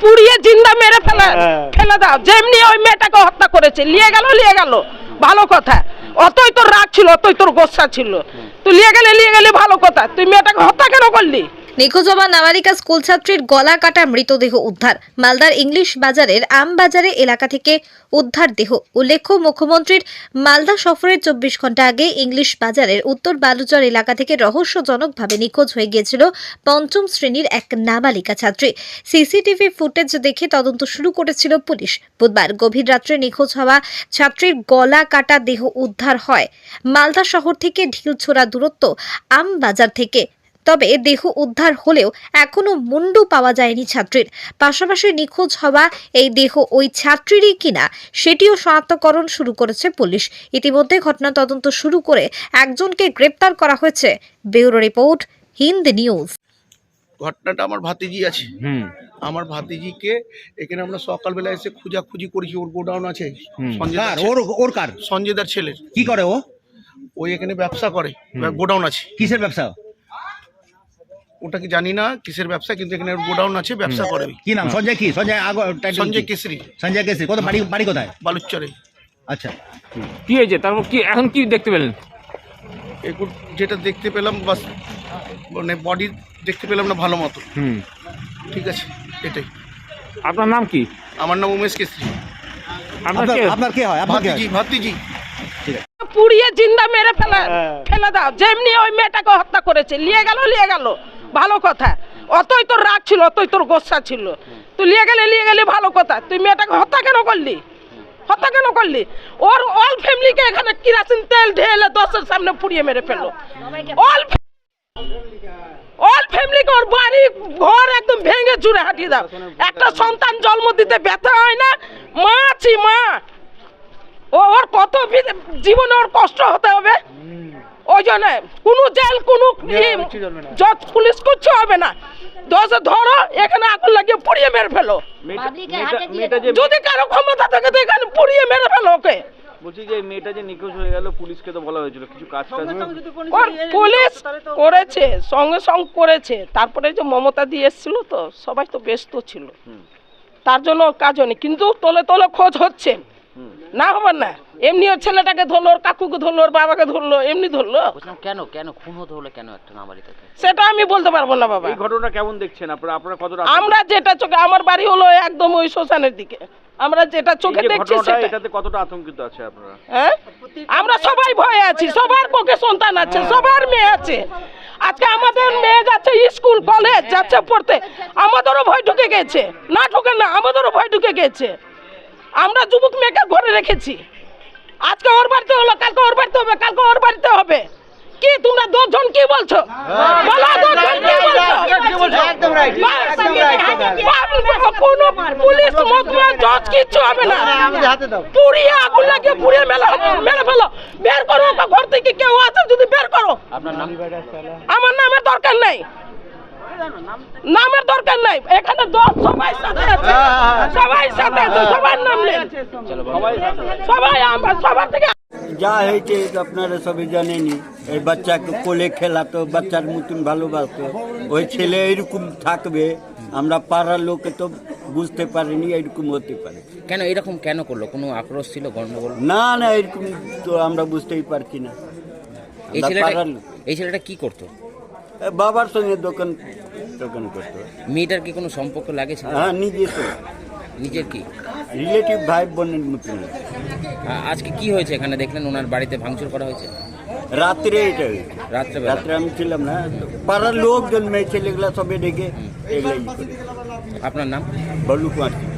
পুড়িয়ে জিন্দা মেরে ফেলে দাও। যেমনি ওই মেয়েটাকে হত্যা করেছে, নিয়ে গেল ভালো কথা। অতই তোর রাগ ছিল, অতই তোর গোসা ছিল, তুই নিয়ে গেলে ভালো কথা। তুই মেয়েটাকে হত্যা কেন করলি? নিখোঁজ হওয়া নাবালিকা স্কুল ছাত্রীর গলা কাটা মৃতদেহ উদ্ধার। মালদার ইংলিশ বাজারের আমবাজারে এলাকা থেকে উদ্ধার দেহ। উল্লেখ্য, মুখ্যমন্ত্রীর মালদা সফরের 24 ঘন্টা আগে ইংলিশ বাজারের উত্তর বালুচর এলাকা থেকে রহস্যজনকভাবে নিখোঁজ হয়ে গিয়েছিল 5ম শ্রেণীর এক নাবালিকা ছাত্রী। সিসিটিভি ফুটেজ দেখে তদন্ত শুরু করেছিল পুলিশ। বুধবার গভীর রাত্রে নিখোঁজ হওয়া ছাত্রীর গলা কাটা দেহ উদ্ধার হয় মালদা শহর থেকে ঢিলছোড়া দূরত্ব আমবাজার থেকে। তবে দেহ উদ্ধার হলেও এখনো মুন্ডু পাওয়া যায়নি ছাত্রীর। পাশাপাশি নিখোঁজ হওয়া এই দেহ ওই ছাত্রীরই কিনা সেটিও শনাক্তকরণ শুরু করেছে পুলিশ। ইতিমধ্যে ঘটনা তদন্ত শুরু করে একজনকে গ্রেপ্তার করা হয়েছে। Bureau report, Hind news. ঘটনাটা আমার ভাতিজি আছে, আমার ভাতিজিকে এখানে আমরা সকালবেলা এসে খুঁজাখুঁজি করেছি। ওর গোডাউন আছে সঞ্জয়দার ছেলের। কি করে ও? ওই এখানে ব্যবসা করে, গোডাউন আছে। কিসের ব্যবসা? ওটা কি জানি না কিসের ব্যবসা, কিন্তু এখানে গোডাউন আছে, ব্যবসা করে। কি নাম? সঞ্জয় কি? সঞ্জয় কেশরী। সঞ্জয় কেশরী। কত বাড়ি কোথায়? বালুচরে। আচ্ছা, কি হয়েছে তারপর? কি এখন কি দেখতে পেলেন? এখন যেটা দেখতে পেলাম, বাস মানে বডি দেখতে পেলাম না ভালো মতো। ঠিক আছে, এটাই। আপনার নাম কি? আমার নাম উমেশ কেশরী। আপনার কে হয়? ভাতিজি। পুড়িয়ে জিন্দা মেরে ফেলে দাও। যেমনি ওই মেয়েটাকে হত্যা করেছে, নিয়ে গেল ভালো কথা। অতই তোর রাগ ছিল, অতই তোর গোসা ছিল, তুই নিয়ে গেলে ভালো কথা। তুই মেয়েটাকে হত্যা কেন করলি? ওর অল ফ্যামিলিকে এখানে কিরাসিন তেল ঢেলে 10-এর সামনে পুড়িয়ে মেরে ফেললো। অল ফ্যামিলিকে, ওর বাড়ি ঘর একদম ভেঙে চুরে হাঁটিয়ে দাও। একটা সন্তান জন্ম দিতে ব্যথা হয় না? মা আছি, মা। ওর কত জীবনে ওর কষ্ট হতে হবে। ওই জন্য কোনো জেল, কোনো পুলিশ কিচ্ছু হবে না। ধরো, এখানে আগুন লাগিয়ে পুড়িয়ে মেরে ফেলো। যদি কারো ক্ষমতা থাকে তো এখানে পুড়িয়ে মেরে ফেলো ওকে। বলছি যে মেয়েটা যে নিখোঁজ হয়ে গেল, পুলিশকে তো বলা হয়েছিল কিছু কাজ পুলিশ করেছে, সঙ্গে করেছে। তারপরে যে মমতা দিয়ে এসেছিল, তো সবাই তো ব্যস্ত ছিল, তার জন্য কাজ হয়নি। কিন্তু তলে খোঁজ হচ্ছে, না হবে না। এমনি ওর ছেলেটাকে ধরলো, ওর কাকুকে ধরলো, ওর বাবাকে ধরলো, এমনি ধরলো। কেন খুন হতে হলো কেন একটা নাবালিকাকে? সেটা আমি বলতে পারবো না বাবা। এই ঘটনা কেমন দেখছেন আপনারা? কতটা? আমরা যেটা চোখে, আমার বাড়ি হলো একদম ওই শ্মশানের দিকে, আমরা যেটা চোখে দেখছি এটাতে কতটা আতঙ্কিত আছে আপনারা? হ্যাঁ, আমরা সবাই ভয়ে আছি। সবার পক্ষে সন্তান আছে, সবার মেয়ে আছে। আজকে আমাদের মেয়ে যাচ্ছে স্কুল কলেজ যাচ্ছে পড়তে, আমাদেরও ভয় ঢুকে গেছে। না ঢুকে না, আমাদেরও ভয় ঢুকে গেছে। আমরা যুবক মেয়েকে ঘরে রেখেছি। আজকে ওর বাড়িতে হলো, কালকে ওর বাড়িতে হবে, কালকে ওর বাড়িতে হবে। কি তোমরা 10 জন কি বলছো? বলো 10 জন কি বলছো? একদম রাইট, একদম রাইট। কোনো পুলিশ মহকুমা জজ কিচ্ছু হবে না। পুড়িয়ে আগুন লাগিয়ে পুড়িয়ে মেরে ফেলো। বের করো ঘর থেকে, কেউ আছে যদি বের করো। আপনার নাম? আমার নামের দরকার নাই, নামের দরকার নাই। এখানে 10 সবাই সাথে আছে, সবার নাম নেন। সবার থেকে যা হয়েছে আপনারা সবাই জানেনি। এই বাচ্চাকে কোলে খেলাতো, বাচ্চার মতন ভালোবাসতো। ওই ছেলে এরকম থাকবে আমরা পাড়ার লোকে তো বুঝতে পারিনি এরকম হতে পারে। এরকম কেন করলো? কোনো আক্রোশ ছিল, গন্ডগোল? না, এরকম তো আমরা বুঝতেই পারছি না। এই ছেলেটা কি করতো? বাবার সঙ্গে দোকান করতো। মেয়েটার কি কোনো সম্পর্ক লাগে? হ্যাঁ, নিজের কি রিলেটিভ, ভাই বোনের মতন। আজকে কি হয়েছে এখানে? দেখলেন ওনার বাড়িতে ভাঙচুর করা হয়েছে রাত্রে। এটা রাত্রে আমি ছিলাম না, পাড়ার লোকজন মেয়ে ছেলেগুলা সবে ডেকে এগুলাই করে। আপনার নাম? বল্লু কুমার।